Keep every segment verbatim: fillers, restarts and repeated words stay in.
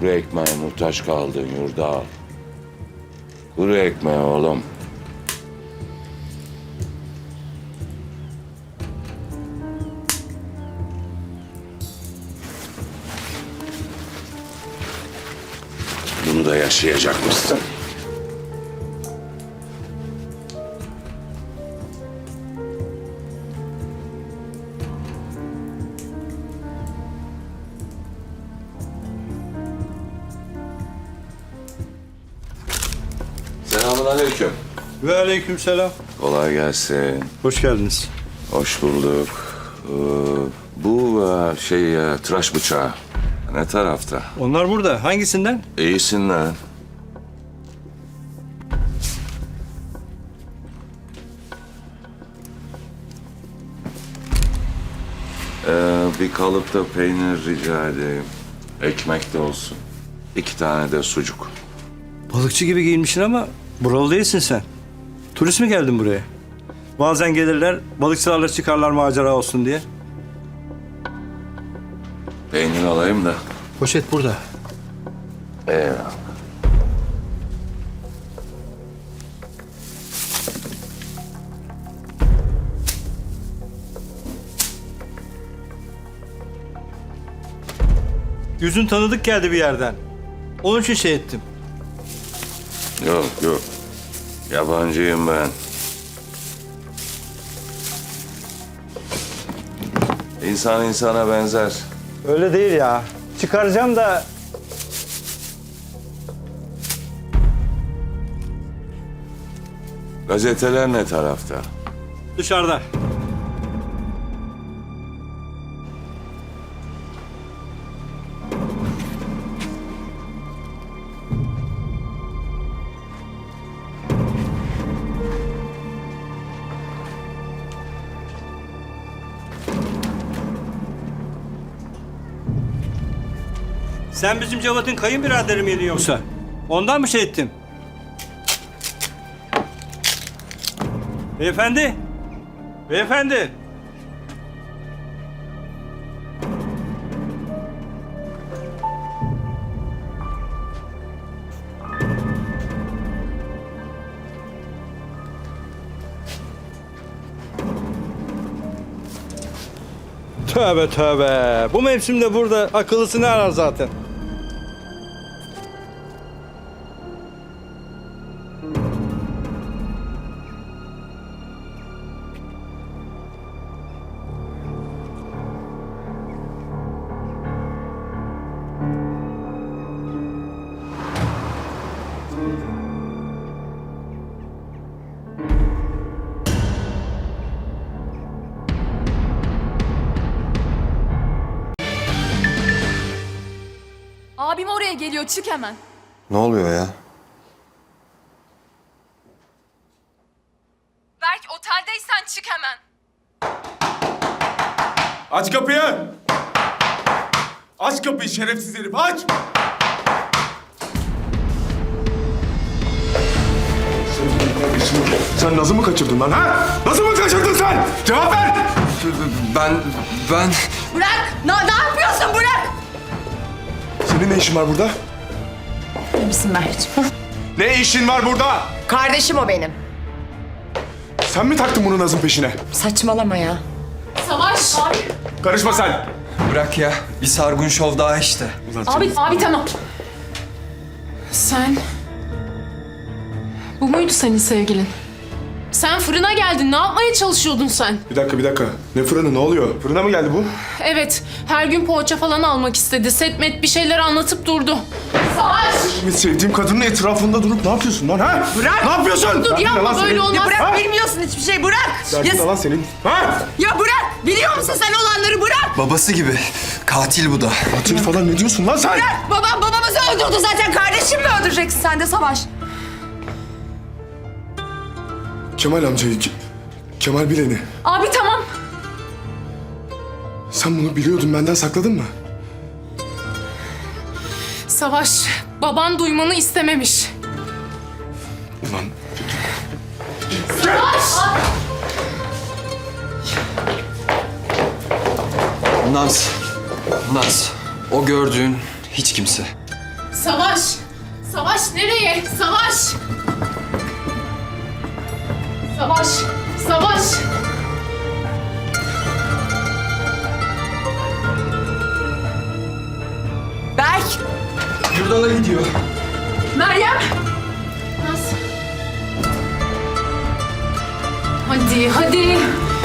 Kuru ekmeğe muhtaç kaldın Yurdal. Kuru ekmeği oğlum. Bunu da yaşayacakmışsın. Selamünaleyküm. Ve aleykümselam. Kolay gelsin. Hoş geldiniz. Hoş bulduk. Ee, bu e, şey e, tıraş bıçağı ne tarafta? Onlar burada. Hangisinden? İyisin lan. Ee, bir kalıpta peynir rica edeyim. Ekmek de olsun. İki tane de sucuk. Balıkçı gibi giyinmişsin ama buralı değilsin sen. Turist mi geldin buraya? Bazen gelirler, balıkçılarla çıkarlar macera olsun diye. Peynir alayım da. Poşet burada. Eyvallah. Yüzün tanıdık geldi bir yerden. Onun için şey ettim. Yok yok. Yabancıyım ben. İnsan insana benzer. Öyle değil ya. Çıkaracağım da... Gazeteler ne tarafta? Dışarıda. Sen bizim Cevat'ın kayınbiraderi miydin yoksa? Ondan mı şey ettin? Beyefendi. Beyefendi. Tövbe tövbe. Bu mevsimde burada akıllısı ne arar zaten? Abim oraya geliyor, çık hemen. Ne oluyor ya? Berk, oteldeysen çık hemen. Aç kapıyı! Aç kapıyı şerefsiz herif, aç! Sen Naz'ı mı kaçırdın lan ha? Naz'ı mı kaçırdın sen? Cevap ver! Ben, ben... Bırak! Ne, ne yapıyorsun? Bırak! Senin ne işin var burada? İyi misin Mert'ciğim? Ne işin var burada? Kardeşim o benim. Sen mi taktın bunu Naz'ın peşine? Saçmalama ya. Savaş! Abi, Karışma sen! Bırak ya. Bir sargun şov daha işte. abi, abi tamam. Sen... Bu muydu senin sevgilin? Sen fırına geldin. Ne yapmaya çalışıyordun sen? Bir dakika, bir dakika. Ne fırını, ne oluyor? Fırına mı geldi bu? Evet, her gün poğaça falan almak istedi. Setmet bir şeyler anlatıp durdu. Savaş! Benim sevdiğim kadının etrafında durup ne yapıyorsun lan ha? Bırak! Ne yapıyorsun? Dur, Derdin ne yapma, lan böyle senin? olmaz. Bırak, Ha? bilmiyorsun hiçbir şey, bırak. Derdin ne Ya, lan senin? Ha? ya bırak, biliyor musun sen olanları, bırak. Babası gibi. Katil bu da. Katil falan ne diyorsun lan sen? Babam babamızı öldürdü zaten, kardeşim mi öldüreceksin sen de Savaş? Kemal amcayı, Ke- Kemal Bilen'i. Abi tamam. Sen bunu biliyordun, benden sakladın mı? Savaş, baban duymanı istememiş. Ulan Naz. Naz. O gördüğün hiç kimse. Savaş! Savaş nereye? Savaş! Savaş! Savaş! Berk. Yurdala gidiyor. Meryem! Naz. Hadi, hadi.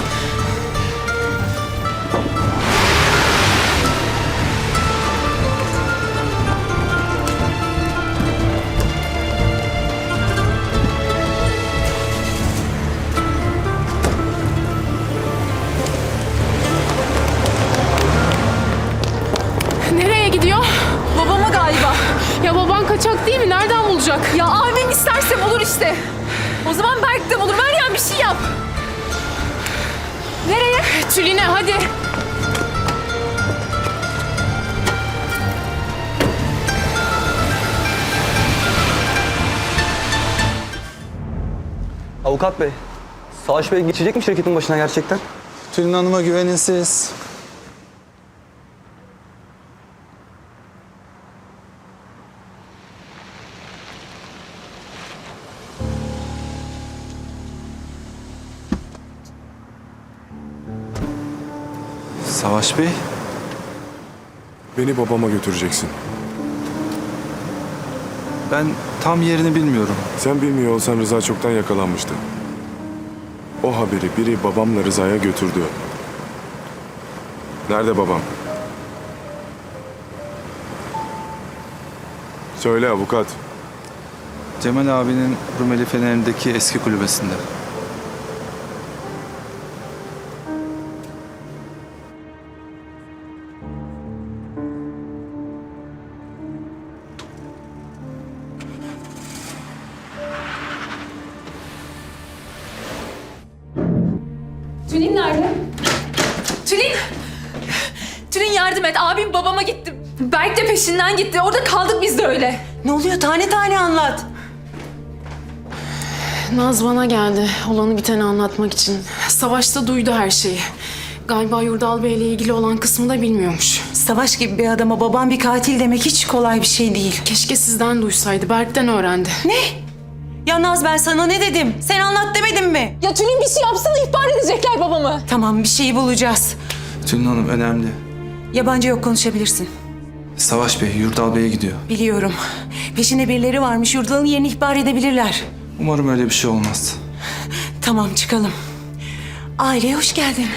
Nereye gidiyor? Babama galiba. Ya baban kaçak değil mi? Nereden bulacak? Ya abim isterse bulur işte. O zaman Berk de bulur. Meryem bir şey yap. Nereye? Tülin'e hadi. Avukat bey, Savaş Bey geçecek mi şirketin başına gerçekten? Tülin Hanım'a güvenin siz. Savaş Bey, Beni babama götüreceksin. ben tam yerini bilmiyorum. Sen bilmiyor olsan Rıza çoktan yakalanmıştı. O haberi biri babamla Rıza'ya götürdü. Nerede babam? Söyle avukat. Cemal abinin Rumeli Fener'indeki eski kulübesinde. Tülin nerede? Tülin! Tülin yardım et. Abim babama gitti. Berk de peşinden gitti. Orada kaldık biz de öyle. Ne oluyor? Tane tane anlat. Naz bana geldi. Olanı biteni anlatmak için. Savaşta duydu her şeyi. Galiba Yurdal Bey'le ilgili olan kısmı da bilmiyormuş. Savaş gibi bir adama babam bir katil demek hiç kolay bir şey değil. Keşke sizden duysaydı. Berk'ten öğrendi. Ne? Ya Naz ben sana ne dedim? Sen anlat demedim mi? Ya Tülin bir şey yapsana ihbar edecekler babamı. Tamam bir şeyi bulacağız. Tülin Hanım önemli. Yabancı yok konuşabilirsin. Savaş Bey, Yurdal Bey'e gidiyor. Biliyorum. Peşinde birileri varmış. Yurdal'ın yerini ihbar edebilirler. Umarım öyle bir şey olmaz. Tamam çıkalım. Aileye hoş geldin.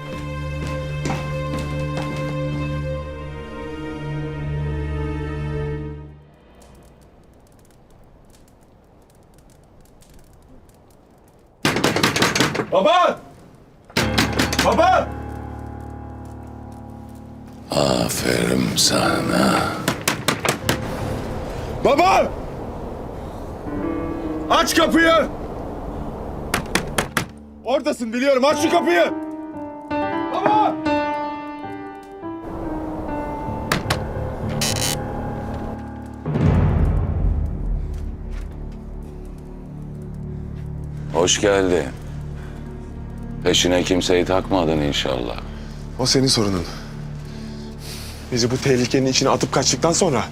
Baba! Baba! Aferin sana. Baba! Aç kapıyı! Oradasın biliyorum. Aç şu kapıyı! Baba! Hoş geldin. Peşine kimseyi takmadın inşallah. O senin sorunun. Bizi bu tehlikenin içine atıp kaçtıktan sonra...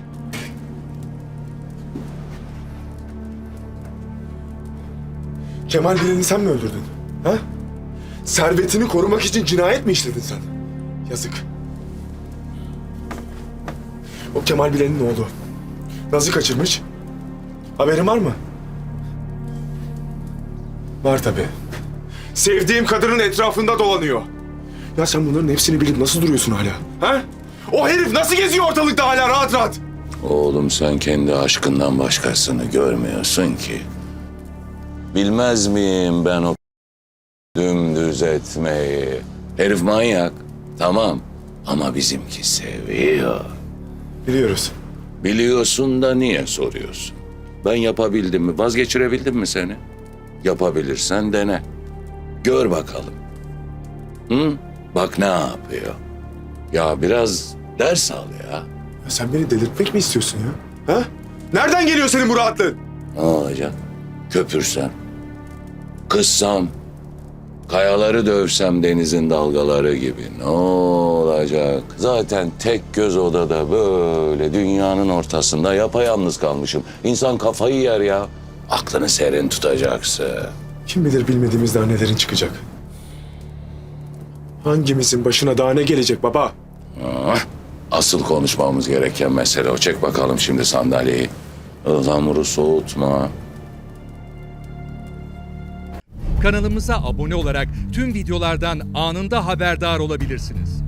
Kemal Bilen'i sen mi öldürdün? Ha? Servetini korumak için cinayet mi işledin sen? Yazık. O Kemal Bilen'in oğlu. Naz'ı kaçırmış. Haberin var mı? Var tabii. Sevdiğim kadının etrafında dolanıyor. Ya sen bunların hepsini bilip nasıl duruyorsun hala? Ha? O herif nasıl geziyor ortalıkta hala rahat rahat? Oğlum sen kendi aşkından başkasını görmüyorsun ki. Bilmez miyim ben o dümdüz etmeyi? Herif manyak. Tamam. Ama bizimki seviyor. Biliyoruz. Biliyorsun da niye soruyorsun? Ben yapabildim mi? Vazgeçirebildim mi seni? Yapabilirsen dene. Gör bakalım. Hı? Bak ne yapıyor. Ya biraz ders al ya. Ya sen beni delirtmek mi istiyorsun ya? Ha? Nereden geliyor senin bu rahatlığın? Ne olacak? Köpürsem, kızsam, Kayaları dövsem denizin dalgaları gibi. Ne olacak? Zaten tek göz odada böyle dünyanın ortasında yapayalnız kalmışım. İnsan kafayı yer ya. Aklını serin tutacaksın. Kim bilir bilmediğimiz daha nelerin çıkacak. Hangimizin başına daha ne gelecek baba? Ah, asıl konuşmamız gereken mesele o. Çek bakalım şimdi sandalyeyi. Ihlamuru soğutma. Kanalımıza abone olarak tüm videolardan anında haberdar olabilirsiniz.